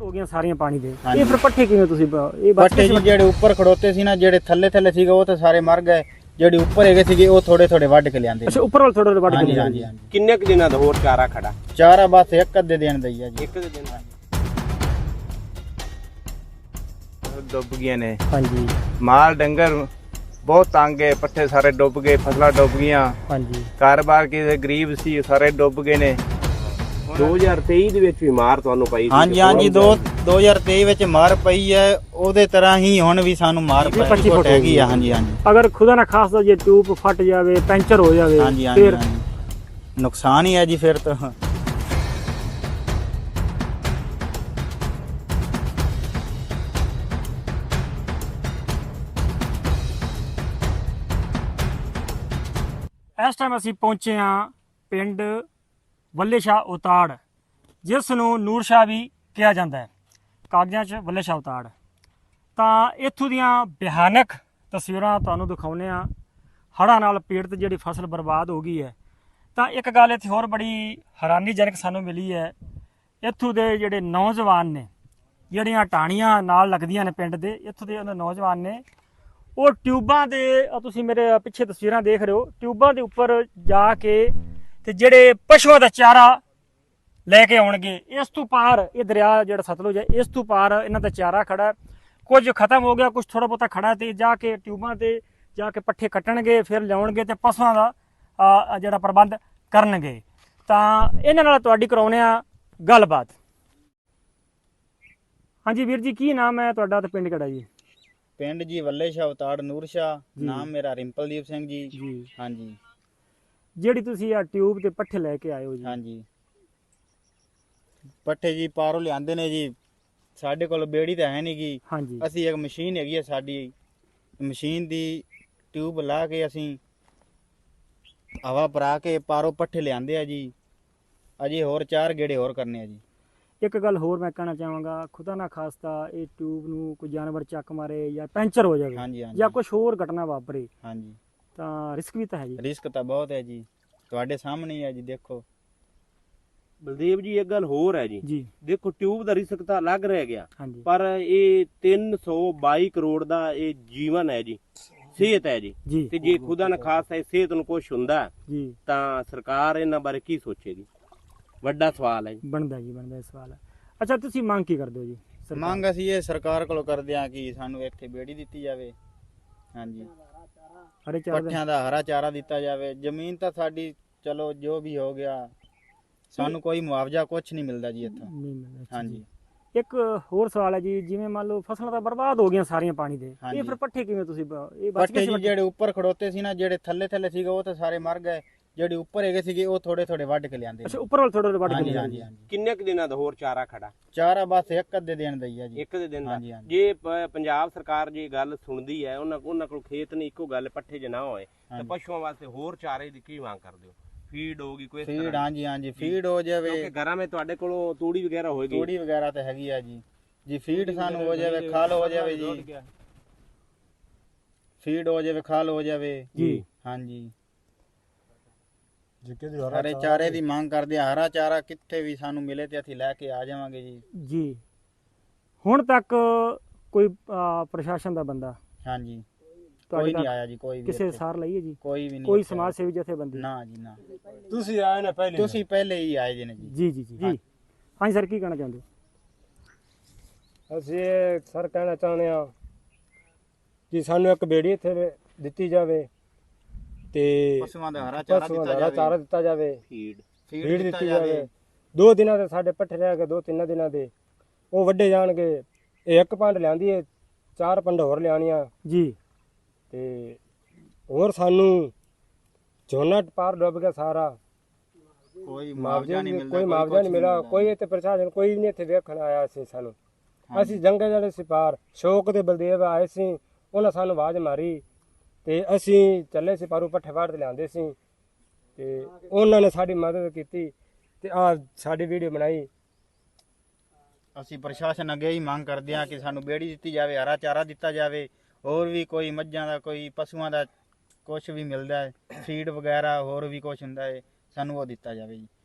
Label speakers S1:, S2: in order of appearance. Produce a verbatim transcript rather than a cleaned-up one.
S1: ਹੋ ਗਈਆਂ ਸਾਰੀਆਂ ਪਾਣੀ ਦੇ। ਇਹ ਫਿਰ ਪੱਠੇ ਕਿਵੇਂ ਤੁਸੀਂ ਇਹ
S2: ਪੱਠੇ ਜੀ ਜਿਹੜੇ ਉੱਪਰ ਖੜੋਤੇ ਸੀ ਨਾ, ਜਿਹੜੇ ਥੱਲੇ ਥੱਲੇ ਸੀਗੇ ਉਹ ਤਾਂ ਸਾਰੇ ਮਰ ਗਏ। ਜਿਹੜੇ ਉੱਪਰ ਹੈਗੇ ਸੀਗੇ ਉਹ ਥੋੜੇ ਥੋੜੇ ਵੱਢ ਕੇ ਲਿਆਂਦੇ।
S1: ਅੱਛਾ, ਉੱਪਰ ਵਾਲ ਥੋੜੇ ਥੋੜੇ ਵੱਢ ਕੇ
S2: ਹਾਂਜੀ
S1: ਲਿਆਂਦੇ।
S2: ਹਾਂਜੀ।
S3: ਕਿੰਨੇ ਕੁ ਦਿਨਾਂ ਦਾ ਹੋਰ ਚਾਰਾ ਖੜਾ?
S2: ਚਾਰਾ ਬਸ ਇੱਕ ਅੱਧੇ ਦਿਨ ਦਾ ਹੀ ਆ ਜੀ।
S3: ਇੱਕ ਦੇ ਦਿਨ ਡੁੱਬ ਗਏ ਨੇ।
S1: ਹਾਂਜੀ।
S3: ਮਾਲ ਡੰਗਰ ਬਹੁਤ ਤੰਗ ਹੈ, ਪੱਠੇ ਸਾਰੇ ਡੁੱਬ ਗਏ, ਫਸਲਾਂ ਡੁੱਬ ਗਈਆਂ।
S1: ਹਾਂਜੀ।
S3: ਕਾਰੋਬਾਰ ਕਿਸੇ ਗਰੀਬ ਸੀ ਸਾਰੇ ਡੁੱਬ ਗਏ ਨੇ। ਦੋ ਹਜ਼ਾਰ ਤੇਈ ਦੇ ਵਿੱਚ ਵੀ ਮਾਰ ਤੁਹਾਨੂੰ ਪਈ ਸੀ।
S2: ਹਾਂਜੀ ਹਾਂਜੀ। ਦੋ ਦੋ ਹਜ਼ਾਰ ਤੇਈ ਵਿੱਚ ਮਾਰ ਪਈ ਹੈ, ਉਹਦੇ ਤਰ੍ਹਾਂ ਹੀ ਹੁਣ ਵੀ ਸਾਨੂੰ ਮਾਰ ਪਈ ਹੈਗੀ ਆ। ਹਾਂਜੀ ਹਾਂਜੀ।
S1: ਅਗਰ ਖੁਦਾ ਨਾ ਖਾਸਦਾ ਜੇ ਟਿਊਬ ਫਟ ਜਾਵੇ, ਪੈਂਚਰ ਹੋ ਜਾਵੇ,
S2: ਹਾਂਜੀ ਹਾਂਜੀ,
S1: ਫਿਰ
S2: ਨੁਕਸਾਨ ਹੀ ਹੈ ਜੀ ਫਿਰ ਤਾਂ।
S1: ਇਸ ਟਾਈਮ ਅਸੀਂ ਪਹੁੰਚੇ ਹਾਂ ਪਿੰਡ ਵੱਲੇ ਸ਼ਾਹ ਉਤਾੜ, ਜਿਸ ਨੂੰ ਨੂਰ ਸ਼ਾਹ ਵੀ ਕਿਹਾ ਜਾਂਦਾ ਹੈ, ਕਾਗਜ਼ਾਂ 'ਚ ਵੱਲੇ ਸ਼ਾਹ ਉਤਾੜ। ਤਾਂ ਇੱਥੋਂ ਦੀਆਂ ਭਿਆਨਕ ਤਸਵੀਰਾਂ ਤੁਹਾਨੂੰ ਦਿਖਾਉਂਦੇ ਹਾਂ। ਹੜ੍ਹਾਂ ਨਾਲ ਪੀੜਤ ਜਿਹੜੀ ਫਸਲ ਬਰਬਾਦ ਹੋ ਗਈ ਹੈ। ਤਾਂ ਇੱਕ ਗੱਲ ਇੱਥੇ ਹੋਰ ਬੜੀ ਹੈਰਾਨੀਜਨਕ ਸਾਨੂੰ ਮਿਲੀ ਹੈ। ਇੱਥੋਂ ਦੇ ਜਿਹੜੇ ਨੌਜਵਾਨ ਨੇ, ਜਿਹੜੀਆਂ ਟਾਹਣੀਆਂ ਨਾਲ ਲੱਗਦੀਆਂ ਨੇ ਪਿੰਡ ਦੇ, ਇੱਥੋਂ ਦੇ ਉਹਨਾਂ ਨੌਜਵਾਨ ਨੇ, ਉਹ ਟਿਊਬਾਂ ਦੇ, ਤੁਸੀਂ ਮੇਰੇ ਪਿੱਛੇ ਤਸਵੀਰਾਂ ਦੇਖ ਰਹੇ ਹੋ, ਟਿਊਬਾਂ ਦੇ ਉੱਪਰ ਜਾ ਕੇ ਤੇ ਜਿਹੜੇ ਪਸ਼ੂਆਂ ਦਾ ਚਾਰਾ ਲੈ ਕੇ ਆਉਣਗੇ। ਇਸ ਤੋਂ ਪਾਰ ਇਹ ਦਰਿਆ ਜਿਹੜਾ ਸਤਲੁਜ ਹੈ, ਇਸ ਤੋਂ ਪਾਰ ਇਹਨਾਂ ਦਾ ਚਾਰਾ ਖੜਾ, ਕੁਝ ਖਤਮ ਹੋ ਗਿਆ, ਕੁਝ ਥੋੜਾ ਬਹੁਤਾ ਖੜਾ, ਤੇ ਜਾ ਕੇ ਟਿਊਬਾਂ ਤੇ ਜਾ ਕੇ ਪੱਠੇ ਕੱਟਣਗੇ, ਫਿਰ ਲਿਆਉਣਗੇ ਤੇ ਪਸ਼ੂਆਂ ਦਾ ਜਿਹੜਾ ਪ੍ਰਬੰਧ ਕਰਨਗੇ। ਤਾਂ ਇਹਨਾਂ ਨਾਲ ਤੁਹਾਡੀ ਕਰਾਉਂਦੇ ਆ ਗੱਲਬਾਤ। ਹਾਂਜੀ ਵੀਰ ਜੀ, ਕੀ ਨਾਮ ਹੈ ਤੁਹਾਡਾ ਤੇ ਪਿੰਡ ਕਿਹੜਾ ਜੀ?
S2: ਪਿੰਡ ਜੀ ਵੱਲੇ ਸ਼ਾਹ ਉਤਾੜ, ਨੂਰ ਸ਼ਾਹ। ਨਾਮ ਮੇਰਾ ਰਿੰਪਲਦੀਪ ਸਿੰਘ ਜੀ।
S1: ਜੀ
S2: ਹਾਂਜੀ।
S1: ਜਿਹੜੀ ਤੁਸੀਂ ਆ ਟਿਊਬ ਤੇ ਪੱਠੇ ਲੈ ਕੇ ਆਏ ਹੋ ਜੀ?
S2: ਹਾਂਜੀ। ਪੱਠੇ ਜੀ ਪਾਰੋਂ ਲਿਆਂਦੇ ਨੇ ਜੀ। ਸਾਡੇ ਕੋਲ ਬੇੜੀ ਤਾਂ ਹੈ ਨਹੀਂ ਗੀ।
S1: ਹਾਂਜੀ।
S2: ਅਸੀਂ ਇੱਕ ਮਸ਼ੀਨ ਹੈਗੀ ਹੈ ਸਾਡੀ, ਮਸ਼ੀਨ ਦੀ ਟਿਊਬ ਲਾ ਕੇ ਅਸੀਂ ਹਵਾ ਭਰਾ ਕੇ ਪਾਰੋਂ ਪੱਠੇ ਲਿਆਂਦੇ ਆ ਜੀ। ਅਜੇ ਹੋਰ ਚਾਰ ਗੇੜੇ ਹੋਰ ਕਰਨੇ ਆ ਜੀ।
S1: ਇੱਕ ਗੱਲ ਹੋਰ ਮੈਂ ਕਹਿਣਾ ਚਾਹਾਂਗਾ, ਖੁਦਾ ਨਾ ਖਾਸਤਾ ਇਹ ਟਿਊਬ ਨੂੰ ਕੋਈ ਜਾਨਵਰ ਚੱਕ ਮਾਰੇ ਜਾਂ ਪੈਂਚਰ ਹੋ ਜਾਵੇ,
S2: ਹਾਂਜੀ ਹਾਂਜੀ,
S1: ਜਾਂ ਕੁਝ ਹੋਰ ਘਟਨਾ ਵਾਪਰੇ,
S2: ਹਾਂਜੀ,
S1: ਤਾਂ ਰਿਸਕ ਵੀ ਤਾਂ ਹੈ ਜੀ।
S2: ਰਿਸਕ ਤਾਂ ਬਹੁਤ ਹੈ ਜੀ, ਤੁਹਾਡੇ ਸਾਹਮਣੇ ਹੀ ਹੈ ਜੀ। ਦੇਖੋ
S4: ਬਲਦੇਵ ਜੀ, ਇੱਕ ਗੱਲ ਹੋਰ ਹੈ ਜੀ।
S1: ਜੀ
S4: ਦੇਖੋ, ਟਿਊਬ ਦਾ ਰਿਸਕ ਤਾਂ ਅਲੱਗ ਰਹਿ ਗਿਆ,
S1: ਹਾਂਜੀ,
S4: ਪਰ ਇਹ ਤਿੰਨ ਸੌ ਬਾਈ ਕਰੋੜ ਦਾ ਇਹ ਜੀਵਨ ਹੈ ਜੀ, ਸਿਹਤ ਹੈ ਜੀ।
S1: ਜੀ
S4: ਤੇ ਜੇ ਖੁਦਾ ਨਾ ਖਾਸਤਾ ਇਹ ਸਿਹਤ ਨੂੰ ਕੁਛ ਹੁੰਦਾ
S1: ਜੀ
S4: ਤਾਂ ਸਰਕਾਰ ਇਹਨਾਂ ਬਾਰੇ ਕੀ ਸੋਚੇਗੀ? ਵੱਡਾ ਸਵਾਲ ਹੈ ਜੀ।
S1: ਬਣਦਾ ਜੀ, ਬਣਦਾ ਇਹ ਸਵਾਲ। ਅੱਛਾ, ਤੁਸੀਂ ਮੰਗ ਕੀ ਕਰਦੇ ਹੋ ਜੀ?
S2: ਮੰਗ ਅਸੀਂ ਇਹ ਸਰਕਾਰ ਕੋਲੋਂ ਕਰਦੇ ਹਾਂ ਕਿ ਸਾਨੂੰ ਇੱਥੇ ਬੇੜੀ ਦਿੱਤੀ ਜਾਵੇ। ਹਾਂਜੀ,
S1: ਹਰੇ ਚਾਰ
S2: ਪੱਠਿਆਂ ਦਾ ਹਰਾ ਚਾਰਾ ਦਿੱਤਾ ਜਾਵੇ। ਜ਼ਮੀਨ ਤਾਂ ਸਾਡੀ ਚਲੋ ਜੋ ਵੀ ਹੋ ਗਿਆ, ਸਾਨੂੰ ਕੋਈ ਮੁਆਵਜ਼ਾ ਕੁਛ ਨਹੀਂ ਮਿਲਦਾ ਜੀ ਇੱਥੋਂ।
S1: ਨਹੀਂ ਮਿਲਦਾ।
S2: ਹਾਂਜੀ।
S1: ਇੱਕ ਹੋਰ ਸਵਾਲ ਹੈ ਜੀ, ਜਿਵੇਂ ਮੰਨ ਲਓ ਫਸਲਾਂ ਤਾਂ ਬਰਬਾਦ ਹੋ ਗਈਆਂ ਸਾਰੀਆਂ ਪਾਣੀ ਦੇ, ਇਹ ਫਿਰ ਪੱਠੇ ਕਿਵੇਂ ਤੁਸੀਂ ਇਹ ਬਚ
S2: ਪੱਠੇ ਜੀ ਜਿਹੜੇ ਉੱਪਰ ਖੜੋਤੇ ਸੀ ਨਾ, ਜਿਹੜੇ ਥੱਲੇ ਥੱਲੇ ਸੀਗੇ ਉਹ ਤਾਂ ਸਾਰੇ ਮਰ ਗਏ। ਜਿਹੜੇ ਉੱਪਰ ਹੈਗੇ ਸੀਗੇ ਉਹ ਥੋੜੇ ਥੋੜੇ ਵੱਢ ਕੇ ਲਿਆਂਦੇ।
S1: ਅੱਛਾ, ਉੱਪਰ ਵਾਲ ਥੋੜੇ ਥੋੜੇ ਵੱਢ ਕੇ
S2: ਹਾਂਜੀ
S1: ਲਿਆਂਦੇ।
S2: ਹਾਂਜੀ।
S4: ਕਿੰਨੇ ਕੁ ਦਿਨਾਂ ਦਾ ਹੋਰ ਚਾਰਾ ਖੜਾ?
S2: ਚਾਰਾ ਬਸ ਇੱਕ ਅੱਧੇ ਦਿਨ ਦਾ ਹੀ ਆ ਜੀ।
S4: ਇੱਕ ਦੇ ਦਿਨ ਦਾ।
S2: ਹਾਂਜੀ ਹਾਂਜੀ।
S4: ਜੇ ਪ- ਪੰਜਾਬ ਸਰਕਾਰ ਜੇ ਗੱਲ ਸੁਣਦੀ ਹੈ, ਉਹਨਾਂ ਉਹਨਾਂ ਕੋਲ ਖੇਤ ਨਹੀਂ, ਇੱਕੋ ਗੱਲ ਪੱਠੇ ਜੇ ਨਾ ਹੋਏ ਤਾਂ ਪਸ਼ੂਆਂ ਵਾਸਤੇ ਹੋਰ ਚਾਰੇ ਦੀ ਕੀ ਮੰਗ ਕਰਦੇ ਹੋ? ਫੀਡ ਹੋਗੀ ਕੋਈ ਇਸ
S2: ਫੀਡ?
S4: ਤਰ੍ਹਾਂ?
S2: ਹਾਂਜੀ ਹਾਂਜੀ, ਫੀਡ ਹੋ ਜਾਵੇ।
S4: ਕਿਉਂਕਿ ਘਰਾਂ ਵਿੱਚ ਤੁਹਾਡੇ ਕੋਲੋਂ ਤੂੜੀ ਵਗੈਰਾ ਹੋਏਗੀ।
S2: ਤੂੜੀ ਵਗੈਰਾ ਤਾਂ ਹੈਗੀ ਆ ਜੀ। ਜੀ ਫੀਡ ਸਾਨੂੰ ਹੋ ਜਾਵੇ, ਖਾਲ ਹੋ ਜਾਵੇ ਜੀ। ਫੀਡ ਹੋ ਜਾਵੇ, ਖਾਲ ਹੋ ਜਾਵੇ
S1: ਜੀ।
S2: ਹਾਂਜੀ। ਹਰੇ ਚਾਰੇ ਦੀ ਮੰਗ ਕਰਦੇ ਆ। ਹਰਾ ਚਾਰਾ ਕਿੱਥੇ ਵੀ ਸਾਨੂੰ ਮਿਲੇ ਤੇ ਅਸੀਂ ਲੈ ਕੇ ਆ ਜਾਵਾਂਗੇ ਜੀ।
S1: ਜੀ। ਹੁਣ ਤੱਕ ਕੋਈ ਅਹ, ਪ੍ਰਸ਼ਾਸਨ ਦਾ ਬੰਦਾ
S2: ਹਾਂਜੀ,
S1: ਤੁਹਾਡੇ
S2: ਕੋਈ ਨਹੀਂ
S1: ਤੱਕ
S2: ਆਇਆ ਜੀ। ਕੋਈ ਵੀ
S1: ਕਿਸੇ
S2: ਇੱਥੇ।
S1: ਸਾਰ ਲਈ ਹੈ ਜੀ?
S2: ਕੋਈ ਵੀ ਨਹੀਂ।
S1: ਕੋਈ
S2: ਇੱਥੇ
S1: ਸਮਾਜ ਸੇਵੀ ਜਥੇਬੰਦੀ?
S2: ਨਾ ਜੀ ਨਾ।
S4: ਤੁਸੀਂ ਆਏ ਨਾ ਪਹਿਲੇ?
S2: ਤੁਸੀਂ ਪਹਿਲੇ ਹੀ ਆਏ ਜੀ ਨੇ ਜੀ।
S1: ਜੀ ਜੀ ਜੀ ਜੀ। ਹਾਂਜੀ ਸਰ, ਕੀ ਕਹਿਣਾ ਚਾਹੁੰਦੇ ਹੋ?
S5: ਅਸੀਂ ਇਹ ਸਰ ਕਹਿਣਾ ਚਾਹੁੰਦੇ ਹਾਂ ਕਿ ਸਾਨੂੰ ਇੱਕ ਬੇੜੀ ਇੱਥੇ ਦਿੱਤੀ ਜਾਵੇ ਤੇ
S2: ਪਸ਼ੂਆਂ ਦਾ ਹਰਾ ਚਾਰਾ
S5: ਪਸ਼ੂਆਂ
S2: ਦਿੱਤਾ
S5: ਦਾ ਹਰਾ ਚਾਰਾ
S2: ਜਾਵੇ।
S5: ਦਿੱਤਾ ਜਾਵੇ,
S4: ਫੀਡ
S5: ਫੀਡ ਦਿੱਤੀ ਜਾਵੇ। ਦੋ ਦਿਨਾਂ ਦੇ ਸਾਡੇ ਪੱਠੇ ਰਹਿ ਗਏ, ਦੋ ਤਿੰਨ ਦਿਨਾਂ ਦੇ ਉਹ ਵੱਢੇ ਜਾਣਗੇ। ਇਹ ਇੱਕ ਪੰਡ ਲਿਆਂਦੀ ਹੈ, ਚਾਰ ਪੰਡ ਹੋਰ ਲਿਆਣੀਆਂ
S1: ਜੀ।
S5: ਤੇ ਹੋਰ ਸਾਨੂੰ ਝੋਨਾ ਪਾਰ ਡੁੱਬ ਗਿਆ ਸਾਰਾ,
S2: ਕੋਈ
S5: ਮੁਆਵਜ਼ਾ
S2: ਮੁਆਵਜ਼ਾ ਨਹੀਂ
S5: ਨਹੀਂ,
S2: ਮਿਲਦਾ।
S5: ਕੋਈ ਮੁਆਵਜ਼ਾ ਨਹੀਂ ਮਿਲਿਆ। ਕੋਈ ਇੱਥੇ ਪ੍ਰਸ਼ਾਸਨ ਕੋਈ ਨਹੀਂ ਇੱਥੇ ਵੇਖਣ ਆਇਆ ਸੀ ਸਾਨੂੰ। ਅਸੀਂ ਜੰਗਲ ਜਿਹੜੇ ਸੀ ਪਾਰ, ਸ਼ੌਕ ਦੇ ਬਲਦੇਵ ਆਏ ਸੀ, ਉਹਨਾਂ ਸਾਨੂੰ ਆਵਾਜ਼ ਮਾਰੀ ਤੇ ਅਸੀਂ ਚੱਲੇ ਸੀ ਪਾਰੂ, ਪੱਠੇ ਵਾੜ ਤੇ ਲਿਆਂਦੇ ਸੀ ਤੇ ਉਹਨਾਂ ਨੇ ਸਾਡੀ ਮਦਦ ਕੀਤੀ ਤੇ ਆ ਸਾਡੀ ਵੀਡੀਓ ਬਣਾਈ।
S2: ਅਸੀਂ ਪ੍ਰਸ਼ਾਸਨ ਅੱਗੇ ਹੀ ਮੰਗ ਕਰਦੇ ਹਾਂ ਕਿ ਸਾਨੂੰ ਬੇੜੀ ਦਿੱਤੀ ਜਾਵੇ, ਹਰਾ ਚਾਰਾ ਦਿੱਤਾ ਜਾਵੇ। ਹੋਰ ਵੀ ਕੋਈ ਮੱਝਾਂ ਦਾ, ਕੋਈ ਪਸ਼ੂਆਂ ਦਾ ਕੁਝ ਵੀ ਮਿਲਦਾ ਹੈ, ਫੀਡ ਵਗੈਰਾ ਹੋਰ ਵੀ ਕੁਝ ਹੁੰਦਾ ਹੈ, ਸਾਨੂੰ ਉਹ ਦਿੱਤਾ ਜਾਵੇ ਜੀ।